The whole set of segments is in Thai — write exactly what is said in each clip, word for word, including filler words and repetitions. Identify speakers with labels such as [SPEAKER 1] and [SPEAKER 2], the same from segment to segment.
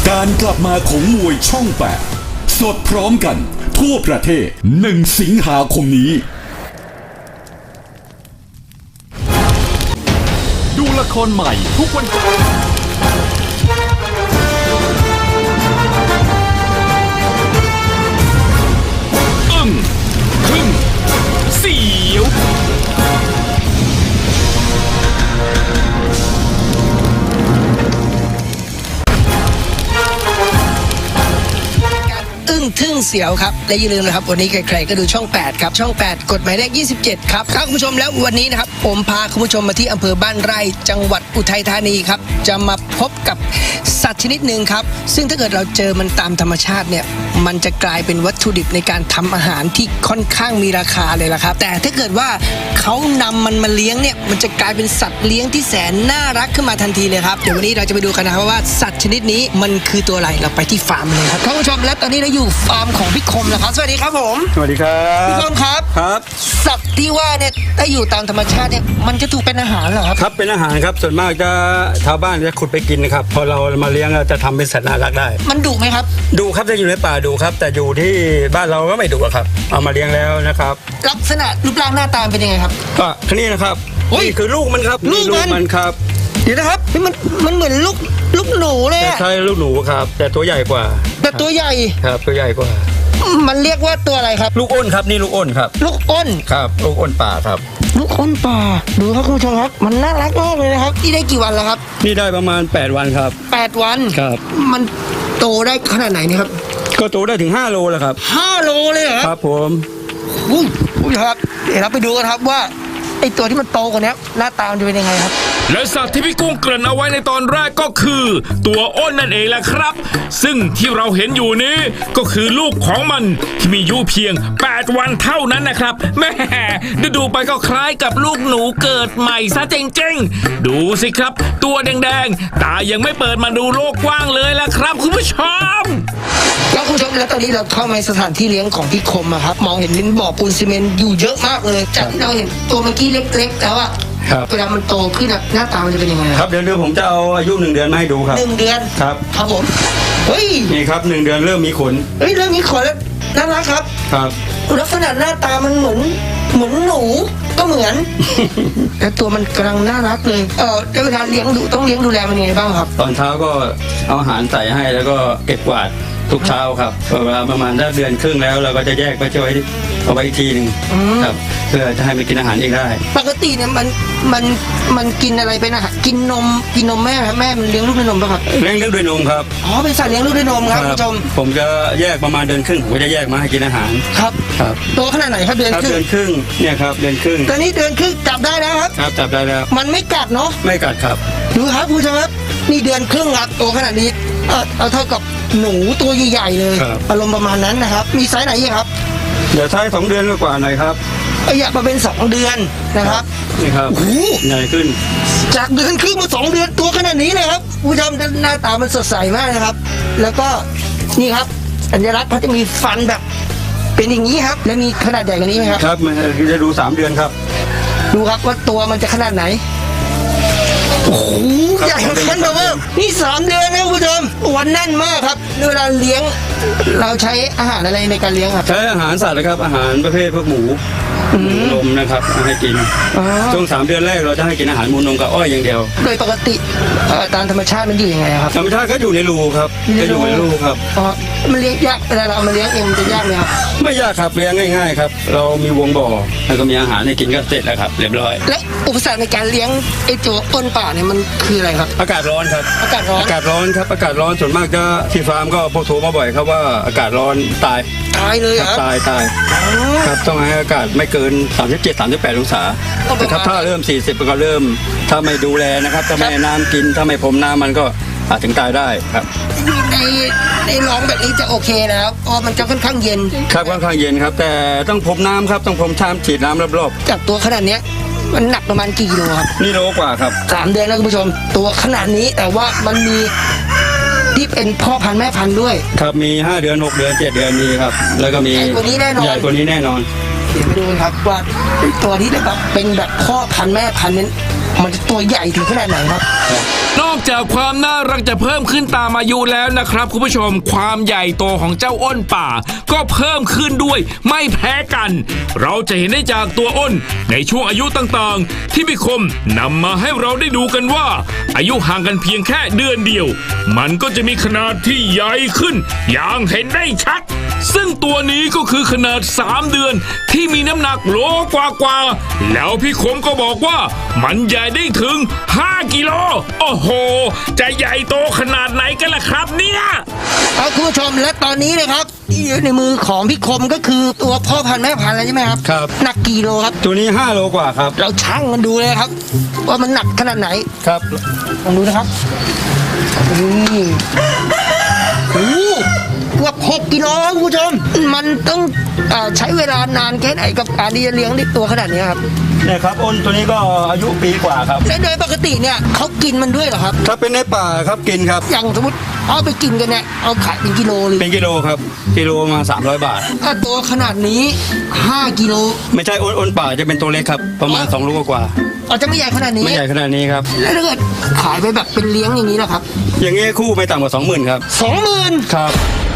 [SPEAKER 1] การกลับมาของมวยช่องแปดสดพร้อมกันทั่วประเทศหนึ่งสิงหาคมนี้ดูละครใหม่ทุกวันอึ้งทึ่งเสียว
[SPEAKER 2] อึ้งทึ่งเสียวครับและอย่าลืมนะครับวันนี้ใครๆก็ดูช่องแปดครับช่องแปดกฎหมายเลขยี่สิบเจ็ดครับครับคุณผู้ชมแล้ววันนี้นะครับผมพาคุณผู้ชมมาที่อำเภอบ้านไร่จังหวัดอุทัยธานีครับจะมาพบกับสัตว์ชนิดหนึ่งครับซึ่งถ้าเกิดเราเจอมันตามธรรมชาติเนี่ยมันจะกลายเป็นวัตถุดิบในการทำอาหารที่ค่อนข้างมีราคาเลยล่ะครับแต่ถ้าเกิดว่าเขานำมันมาเลี้ยงเนี่ยมันจะกลายเป็นสัตว์เลี้ยงที่แสนน่ารักขึ้นมาทันทีเลยครับเดี๋ยววันนี้เราจะไปดูกันนะครับว่าสัตว์ชนิดนี้มันคือตัวอะไรเราไปที่ฟาร์มเลยครับท่านผู้ชมและตอนนี้เราอยู่ฟาร์มของพี่คมนะครับสวัสดีครับผม
[SPEAKER 3] สวัสดีครับ
[SPEAKER 2] พี่คมครับ
[SPEAKER 3] ครับ
[SPEAKER 2] สัตว์ที่ว่าเนี่ยถ้าอยู่ตามธรรมชาติเนี่ยมันจะถูกเป็นอาหารเหรอครับ
[SPEAKER 3] ครับเป็นอาหารครับส่วนมากจะชาวบ้านจะขุดไปกินนะครับพอเรามาเลี้ยงเราจะทำเป็นสัตว์น่ารักได้
[SPEAKER 2] มันดุไหมครับ
[SPEAKER 3] ดูครับจะอยู่ในป่าดูครับ แต่อยู่ที่บ้านเราก็ไม่ดุอะครับเอามาเลี้ยงแล้วนะครับ
[SPEAKER 2] ลักษณะรูปร่างหน้าตาเป็นยังไงครับ
[SPEAKER 3] ก็นี่นะครับ
[SPEAKER 2] โอ้ย
[SPEAKER 3] นี่คือลูกมันครับ
[SPEAKER 2] ลูกมัน
[SPEAKER 3] มันครับ
[SPEAKER 2] เดี๋ยวนะครับเฮ้ยมันมันเหมือนลูกลูกหนูเลย
[SPEAKER 3] แต่
[SPEAKER 2] อะ
[SPEAKER 3] ใช่ลูกหนูครับ แต่ตัวใหญ่กว่า
[SPEAKER 2] แต่ตัวใหญ่
[SPEAKER 3] ครับตัวใหญ่กว่า
[SPEAKER 2] มันเรียกว่าตัวอะไรครับ
[SPEAKER 3] ลูกอ้นครับนี่ลูกอ้นครับ
[SPEAKER 2] ลูกอ้น
[SPEAKER 3] ครับลูกอ้นป่าครับ
[SPEAKER 2] ลูกอ้นป่าดูครับคุณผู้ชมครับมันน่ารักมากเลยนะครับนี่ได้กี่วันแล้วครับ
[SPEAKER 3] นี่ได้ประมาณแปดวันครับ
[SPEAKER 2] แปดวัน
[SPEAKER 3] ครับ
[SPEAKER 2] มันโตได้ขนาดไหนเนี่ยครับ
[SPEAKER 3] ก็โตได้ถึงห้าโลแล้วครับ
[SPEAKER 2] ห้าโลเลยเหรอ
[SPEAKER 3] ครับผม
[SPEAKER 2] อุ้ยคุณผู้ชมครับเดี๋ยวเราไปดูกันครับว่าไอตัวที่มันโตกว่านี้หน้าตามันจะเป็นยังไงครับ
[SPEAKER 4] และสัตว์ที่พี่กุ้งเกริ่นเอาไว้ในตอนแรกก็คือ ตัวอ้นนั่นเองแหละครับ ซึ่งที่เราเห็นอยู่นี้ก็คือลูกของมันที่มีอายุเพียงแปดวันเท่านั้นนะครับแม่ดูๆไปก็คล้ายกับลูกหนูเกิดใหม่ซะจริงๆดูสิครับ ตัวแดงๆตายังไม่เปิดมาดูโลกกว้างเลยล่ะครับคุณผู้ชม
[SPEAKER 2] แล้วคุณผู้ชมแล้วตอนนี้เราเข้ามาในสถานที่เลี้ยงของพี่คมอะครับมองเห็นลิ้นบ่อปูนซีเมนต์อยู่เยอะมากเลยจากที่เราเห็นตัวเมื่อกี้เล็กๆแล้วอะ
[SPEAKER 3] ครับ
[SPEAKER 2] เวลามันโตขึ้นอะหน้าตามันจะเป็นยังไง
[SPEAKER 3] ครับเดี๋ยวเดี๋ยวผมจะเอาอายุหนึ่งเดือนมาให้ดูครับ
[SPEAKER 2] หนึ่งเดือน
[SPEAKER 3] ครับ
[SPEAKER 2] ครับผมเฮ้ย
[SPEAKER 3] นี่ครับหนึ่งเดือนเริ่มมีขน
[SPEAKER 2] เฮ้ยเรื่องนี้ขอแล้วน่ารักครับ
[SPEAKER 3] ครับ
[SPEAKER 2] ลักษณะหน้าตามันเหมือนเหมือนหนูก็เหมือน แต่ตัวมันกำลังน่ารักเลยเออแล้วเวลาเลี้ยงดูต้องเลี้ยงดูแลมันยังไงบ้างครับ
[SPEAKER 3] ตอนเช้าก็เอาอาหารใส่ให้แล้วก็เก็บกวาดทุกเช้าครับเวลาประมาณได้เดือนครึ่งแล้วเราก็จะแยกไปช่วยเอาไว้อีกทีหนึ่งครับเพื่อจะให้มันกินอาหารเองได้
[SPEAKER 2] ปกติเนี่ยมันมันมันกินอะไรเป็นอาหารกินนมกินนมแม่ครับแม่มันเลี้ยงลูกด้วยนมป่ะครับ
[SPEAKER 3] เลี้ยงเลี้ยงด้วยนมครับ
[SPEAKER 2] อ๋อเป็นสัตว์เลี้ยงลูกด้วยนมครับคุณผู้ชม
[SPEAKER 3] ผมจะแยกประมาณเดือนครึ่งผมก็จะแยกมาให้กินอาหาร
[SPEAKER 2] ครับ
[SPEAKER 3] ครับ
[SPEAKER 2] ตัวขนาดไหนครับเดือน
[SPEAKER 3] ครับ
[SPEAKER 2] ครึ่ง
[SPEAKER 3] เดือนครึ่งเนี่ยครับเดือนครึ่ง
[SPEAKER 2] ตอนนี้เดือนครึ่งจับได้แล้วครับ
[SPEAKER 3] ครับจับได้แล้ว
[SPEAKER 2] มันไม่กัดเนาะ
[SPEAKER 3] ไม่กัดครับ
[SPEAKER 2] ดูครับคุณผู้ชมครับนี่เดือนครึ่งครับตัวขนาดนี้เออเอาเท่ากับหนูตัวใหญ่ๆเลย
[SPEAKER 3] ครับ
[SPEAKER 2] อารมณ์ประมาณนั้นนะครับ มีไซส์ไหนอีกครับ
[SPEAKER 3] เดี๋ยวใช้สองเดือนกว่าหน่อยครับ
[SPEAKER 2] เอยอยากมาเป็นสองเดือนนะครับ
[SPEAKER 3] นี่ครับ
[SPEAKER 2] โอ้โห
[SPEAKER 3] ใหญ่ขึ้น
[SPEAKER 2] จากเดือนครึ่งมาสองเดือนตัวขนาดนี้เลยครับคุณผู้ชมหน้าตามันสดใสมากนะครับ แล้วก็นี่ครับสัญลักษณ์เขาจะมีฟันแบบ เป็นอย่างนี้ครับ แล้วมีขนาดใหญ่กว่านี้ไหมครับ
[SPEAKER 3] ครับมันจะดูสามเดือนครับ
[SPEAKER 2] ดูครับว่าตัวมันจะขนาดไหนโอ้โหใหญ่ขนาดแบบว่านี่สามเดือนนะคุณผู้ชมวันแน่นมากครับเวลาเลี้ยง เราใช้อาหารอะไรในการเลี้ยงครับ
[SPEAKER 3] ใช้อาหารสัตว์นะครับอาหารประเภทพวกหมูหมูนมนะครับให้กิน
[SPEAKER 2] อ๋อ
[SPEAKER 3] ช่วงสามเดือนแรกเราจะให้กินอาหารหมูนมกับอ้อยอย่างเดียว
[SPEAKER 2] โดยปกติเอ่อตามธรรมชาติมันอยู่ยังไงครับ
[SPEAKER 3] ธรรมชาติก็อยู่ในรูครับจะอยู่ในรูครับ
[SPEAKER 2] อ๋อมันเลี้ยงยากเวลาเราเอามาเลี้ยงเองมันจะยากไหมครับ
[SPEAKER 3] ไม่ยากครับเลี้ยงง่ายๆครับเรามีวงบ่อแล้วก็มีอาหารให้กินก็เสร็จแล้วครับเรียบร้อย
[SPEAKER 2] และอุปสรรคในการเลี้ยงไอ้ตัวอ้นป่าเนี่ยมันคืออะไรครับ
[SPEAKER 3] อากาศร้อนครับ
[SPEAKER 2] อากาศร้อน
[SPEAKER 3] อากาศร้อนครับอากาศร้อนส่วนมากจะที่ฟาร์มก็พวกโทรมาบ่อยครับว่าอากาศร้อนตาย
[SPEAKER 2] ตายเลย
[SPEAKER 3] ค
[SPEAKER 2] เหร
[SPEAKER 3] รับ
[SPEAKER 2] อ
[SPEAKER 3] ตายตาย
[SPEAKER 2] อ๋อ
[SPEAKER 3] ครับต้องให้อากาศไม่เกินสามสิบเจ็ด สามสิบแปดองศา
[SPEAKER 2] ต้องประมาณ
[SPEAKER 3] นะครับถ้าเริ่มสี่สิบก็เริ่มถ้าไม่ดูแลนะครับถ้าไม่ให้น้ำกินถ้าไม่พรมน้ำมันก็อาจถึงตายได้ครับ
[SPEAKER 2] ในในร้องแบบนี้จะโอเคนะครับเพราะมันจะค่อนข้างเย็น
[SPEAKER 3] ครับค่อนข้างเย็นครับ แต่ต้องพรมน้ำครับต้องพรมชามฉีดน้ำรอบ
[SPEAKER 2] จากตัวขนาดเนี้ยมันหนักประมาณกี่กิโลครับ
[SPEAKER 3] ๆนี่โลกว่าครับ
[SPEAKER 2] สามเดือนแล้วคุณผู้ชม ตัวขนาดนี้แต่ว่ามันมีที่เป็นพ่อพันธุ์แม่พันธุ์ด้วย
[SPEAKER 3] ครับมีห้าเดือนหกเดือนเจ็ดเดือนมีครับแล้วก็มี
[SPEAKER 2] ใหญ่กว่านี้แน่นอน
[SPEAKER 3] ใหญ่กว่านี้แน่นอน
[SPEAKER 2] เดี๋ยวไปดูกันครับว่าตัวที่แบบเป็นแบบพ่อพันธุ์แม่พันธุ์นั้นมันจะตัวใหญ่ถึงขนาดไหนครับ
[SPEAKER 4] นอกจากความน่ารักจะเพิ่มขึ้นตามอายุแล้วนะครับคุณผู้ชมความใหญ่โตของเจ้าอ้นป่า ก็เพิ่มขึ้นด้วยไม่แพ้กัน เราจะเห็นได้จากตัวอ้นในช่วงอายุต่างๆ ที่พี่คมนำมาให้เราได้ดูกันว่า อายุห่างกันเพียงแค่เดือนเดียว มันก็จะมีขนาดที่ใหญ่ขึ้น อย่างเห็นได้ชัด ซึ่งตัวนี้ก็คือขนาดสามเดือนที่มีน้ำหนักโลกว่าๆแล้วพี่คมก็บอกว่ามันใหญ่ได้ถึงห้ากิโลโอ้โหจะใหญ่โตขนาดไหนกันล่ะครับเนี่ย
[SPEAKER 2] ครับคุณผู้ชมและตอนนี้นะครับที่อยู่ในมือของพี่คมก็คือตัวพ่อพันธุ์แม่พันธุ์แล้วใช่ไหมครับ
[SPEAKER 3] ครับ
[SPEAKER 2] หนักกี่โลครับ
[SPEAKER 3] ตัวนี้ห้าโลกว่าครับ
[SPEAKER 2] เราชั่งมันดูเลยครับ ว่ามันหนักขนาดไหน
[SPEAKER 3] ครับ
[SPEAKER 2] ลองดูนะครับนี่โอ้โหเกือบหกกิโลครับคุณผู้ชม มันต้องเอ่อใช้เวลานานแค่ไหนกับการที่จะเลี้ยงได้ตัวขนาดนี้ครับ
[SPEAKER 3] เนี่ยครับอ้นตัวนี้ก็อายุปีกว่าครับ
[SPEAKER 2] และโดยปกติเนี่ยเขากินมันด้วยเหรอครับ
[SPEAKER 3] ถ้าเป็นในป่าครับกินครับ
[SPEAKER 2] อย่างสมมติเอาไปกินกันเนี่ยเอาขายเป็นกิโลเลย
[SPEAKER 3] เป็นกิโลครับกิโลมาสามร้อยบาท
[SPEAKER 2] ถ้าตัวขนาดนี้ห้ากิโล
[SPEAKER 3] ไม่ใช่อ้นอ้นป่าจะเป็นตัวเล็กครับประมาณสองโลกว่า
[SPEAKER 2] อาจจะไม่ใหญ่ขนาดนี้
[SPEAKER 3] ไม่ใหญ่ขนาดนี้ครับ
[SPEAKER 2] แล้วถ้าเกิดขายไปแบบเป็นเลี้ยงอย่างนี้นะครับ
[SPEAKER 3] อย่างเงี้ยคู่ไม่ต่ำกว่าสองหมื่นครับ
[SPEAKER 2] สองหมื่น
[SPEAKER 3] ครับ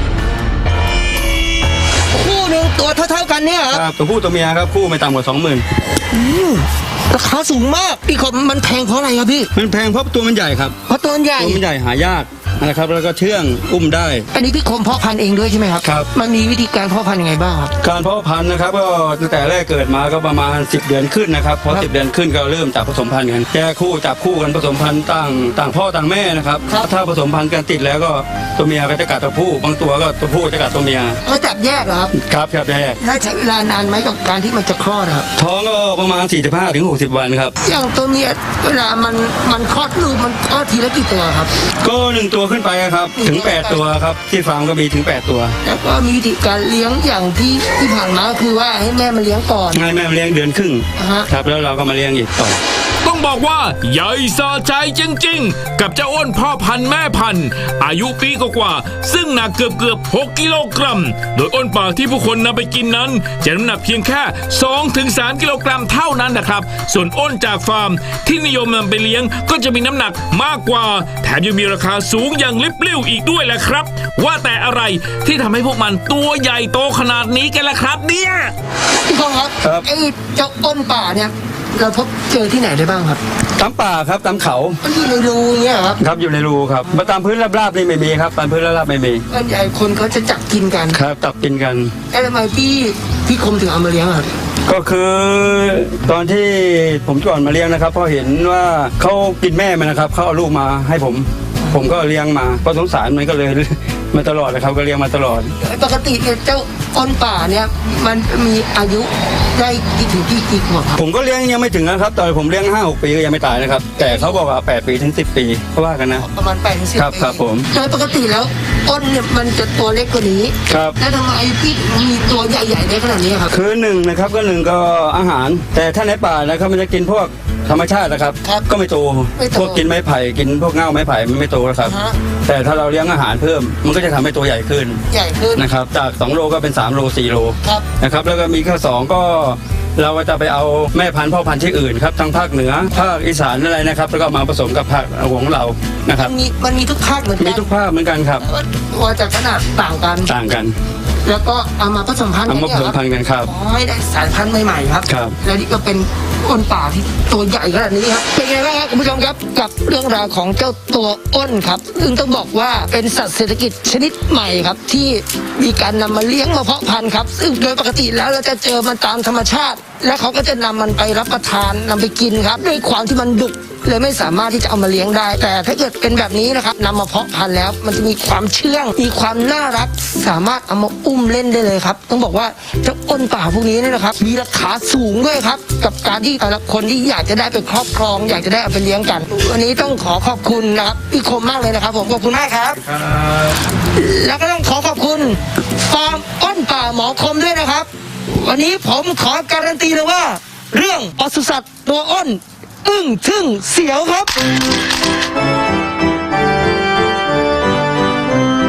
[SPEAKER 2] คู่หนึ่งตัวเท่าๆกันเนี่ยเหรอ
[SPEAKER 3] ครับตัวผู้ตัวเมียครับคู่ไม่ต่ำกว่าสองหมื่น
[SPEAKER 2] อืมราคาสูงมากพี่คมมันแพงเพราะอะไรครับพี่
[SPEAKER 3] มันแพงเพราะตัวมันใหญ่ครับ
[SPEAKER 2] เพราะตัวมันใหญ่
[SPEAKER 3] ตัวมันใหญ่หายากนะครับแล้วก็เชื่องอุ้มได้
[SPEAKER 2] อันนี้พี่คมเพาะพันธุ์เองด้วยใช่ไหมครับ
[SPEAKER 3] ครับ
[SPEAKER 2] มันมีวิธีการเพาะพันธุ์ยังไงบ้างครับ
[SPEAKER 3] การเพาะพันธุ์นะครับก็ตั้งแต่แรกเกิดมาก็ประมาณสิบเดือนขึ้นนะครับพอ
[SPEAKER 2] ครับ
[SPEAKER 3] สิบเดือนขึ้นก็เริ่มจับผสมพันธุ์กันแยกคู่จับคู่กันผสมพันธุ์ต่างต่างพ่อต่างแม่นะครับ
[SPEAKER 2] ครับ
[SPEAKER 3] ถ้าผสมพันธุ์กันติดแล้วก็ตัวเมียก็จะกัดตัวผู้บางตัวก็ตัวผู้จะกัดตัวเมีย
[SPEAKER 2] ก็จับแยกเหรอครับ
[SPEAKER 3] ครับครับแยก
[SPEAKER 2] แล้วใช้เวลานานไหมกับการที่มันจะคลอดครับ
[SPEAKER 3] ท้องก็ประมาณ สี่สิบห้าถึงหกสิบ วันครับ
[SPEAKER 2] อย่างตัวเมียเวลามันมันคลอดลูกมันคลอดทีละกี่ตัวครับ
[SPEAKER 3] ก็หนึ่งตัวขึ้นไปครับถึงแปดตัวครับที่ฟาร์มก็มีถึงแปดตัว
[SPEAKER 2] แล้วก็มีวิธีการเลี้ยงอย่างที่ที่ผ่านมาก็คือว่าให้แม่มันเลี้ยงก่อน
[SPEAKER 3] ให้แม่มาเลี้ยงเดือนครึ่ง
[SPEAKER 2] อ่าฮะ
[SPEAKER 3] ครับแล้วเราก็มาเลี้ยงอีกต่อ
[SPEAKER 4] ต้องบอกว่าใหญ่สะใจจริงๆ กับเจ้าอ้นพ่อพันธุ์แม่พันธุ์อายุปีกว่าๆซึ่งหนักเกือบเกือบๆหกกิโลกรัม โดยอ้นป่าที่ผู้คนนำไปกินนั้นจะน้ำหนักเพียงแค่ สองถึงสาม กิโลกรัมเท่านั้นนะครับ ส่วนอ้นจากฟาร์มที่นิยมนำไปเลี้ยงก็จะมีน้ำหนักมากกว่า แถมยังมีราคาสูงอย่างลิบลิ่วอีกด้วยแหละครับ ว่าแต่อะไรที่ทำให้พวกมันตัวใหญ่โตขนาดนี้กันล่ะครับเนี่ย
[SPEAKER 2] พี่คมครับ
[SPEAKER 3] ครับ
[SPEAKER 2] ไอ้เจ้าอ้นป่าเนี่ยเราพบเจอที่ไหนได้บ้างครับ
[SPEAKER 3] ตามป่าครับตามเขา
[SPEAKER 2] มันอยู่ในรูอย่างเงี้ยเหรอครับ
[SPEAKER 3] ครับอยู่ในรูครับมาตามพื้นราบๆนี่ไม่มีครับตามพื้นราบๆไม่มี
[SPEAKER 2] ส่วนใหญ่คนเขาจะจับกินกัน
[SPEAKER 3] ครับตับกินกัน
[SPEAKER 2] แล้วทำไมพี่พี่คมถึงเอามาเลี้ยงอะครับ
[SPEAKER 3] ก็คือตอนที่ผมก่อนมาเลี้ยงนะครับพอเห็นว่าเขากินแม่มันนะครับเขาเอาลูกมาให้ผม ผมก็เลี้ยงมาเพราะสงสารมันก็เลย มาตลอดเลยครับก็เลี้ยงมาตลอด
[SPEAKER 2] ปกติเนี่ยเจ้าอ้นป่าเนี่ยมันมีอายุได้กี่ถึงกี่กี่ขวบครับ
[SPEAKER 3] ผมก็เลี้ยงยังไม่ถึงนะครับตอนผมเลี้ยงห้าหกปีก็ยังไม่ตายนะครับแต่เขาบอกว่าแปดปีถึงสิบปีเขาว่ากันนะ
[SPEAKER 2] ประมาณแปดถึงสิบ
[SPEAKER 3] ครับ
[SPEAKER 2] ปี
[SPEAKER 3] ครับผม
[SPEAKER 2] โดยปกติแล้วอ้นเนี่ยมันจะตัวเล็กกว่านี้
[SPEAKER 3] ครับ
[SPEAKER 2] แล้วทำไมพี่ถึงมีตัวใหญ่ๆได้ขนาดนี้ครับ
[SPEAKER 3] คือหนึ่งนะครับก็หนึ่งก็อาหาร แต่ถ้าในป่านะครับมันจะกินพวกธรรมชาตินะครับ
[SPEAKER 2] ครับ
[SPEAKER 3] ก็ไม่โต
[SPEAKER 2] ไม่โต
[SPEAKER 3] พวกกินไม้ไผ่กินพวกเง่าไม้ไผ่มันไม่โตนะครับ
[SPEAKER 2] ฮะ
[SPEAKER 3] แต่ถ้าเราเลี้ยงอาหารเพิ่ม มันก็จะทำให้ตัวใหญ่ขึ้น
[SPEAKER 2] ใหญ่ขึ้น
[SPEAKER 3] นะครับจากสองโลก็เป็นสามโลสี่โล
[SPEAKER 2] ครับ
[SPEAKER 3] นะครับแล้วก็มีข้อสองก็เราก็จะไปเอาแม่พันธุ์พ่อพันธุ์ที่อื่นครับทั้งภาคเหนือภาคอีสานอะไรนะครับแล้วก็มาผสมกับภาคของเรานะครับ
[SPEAKER 2] มันมีมันมีทุกภาคเหมือน
[SPEAKER 3] มี
[SPEAKER 2] กัน
[SPEAKER 3] ทุกภาคเหมือนกันครับ
[SPEAKER 2] แต่ว่าตัวจะขนาดต่างกัน
[SPEAKER 3] ต่างกัน
[SPEAKER 2] แล้วก็เอามาผสมพันธุ์
[SPEAKER 3] เอา
[SPEAKER 2] กัน
[SPEAKER 3] มา
[SPEAKER 2] เนี่
[SPEAKER 3] ผ
[SPEAKER 2] ย
[SPEAKER 3] สม
[SPEAKER 2] ครับ
[SPEAKER 3] พันธุ์กันครับ
[SPEAKER 2] ขอให้ได้สายพันธุ์ใหม่ๆครับ
[SPEAKER 3] ครับ
[SPEAKER 2] และนี่ก็เป็นอ้นป่าที่ตัวใหญ่ขนาดนี้ครับ เป็นไงบ้างครับคุณผู้ชมครับกับเรื่องราวของเจ้าตัวอ้นครับ ซึ่งต้องบอกว่าเป็นสัตว์เศรษฐกิจชนิดใหม่ครับ ที่มีการนำมาเลี้ยงมาเพาะพันธุ์ครับ ซึ่งโดยปกติแล้วเราจะเจอมันตามธรรมชาติ และเขาก็จะนำมันไปรับประทานนำไปกินครับด้วยความที่มันดุเลยไม่สามารถที่จะเอามาเลี้ยงได้ แต่ถ้าเกิดเป็นแบบนี้นะครับนำมาเพาะพันธุ์แล้ว มันจะมีความเชื่องมีความน่ารัก สามารถเอามาอุ้มเล่นได้เลยครับ ต้องบอกว่าเจ้าอ้นป่าพวกนี้เนี่ยนะครับ มีราคาสูงด้วยครับ กับการที่แต่ละคนที่อยากจะได้ไปครอบครอง อยากจะได้เอาไปเลี้ยงกัน วันนี้ต้องขอขอบคุณนะครับพี่คมมากเลยนะครับ ผมขอบคุณมากครับ แล้วก็ต้องขอขอบคุณฟาร์มอ้นป่าหมอคมด้วยนะครับ วันนี้ผมขอการันตีเลยว่า เรื่องปศุสัตว์ตัวอ้น อึ้งทึ่งเสียวครับ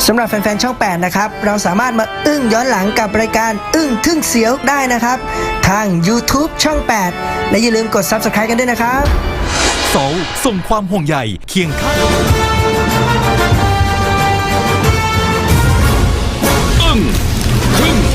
[SPEAKER 2] สำหรับแฟนๆช่องแปดนะครับเราสามารถมาอึ้งย้อนหลังกับรายการอึ้งทึ่งเสียวได้นะครับทาง YouTube ช่องแปดและอย่าลืมกด ซับสไครบ์ กันด้วยนะครับ
[SPEAKER 5] โซลส่งความห่วงใยเคียงข้าง
[SPEAKER 4] อึ้งทึ่ง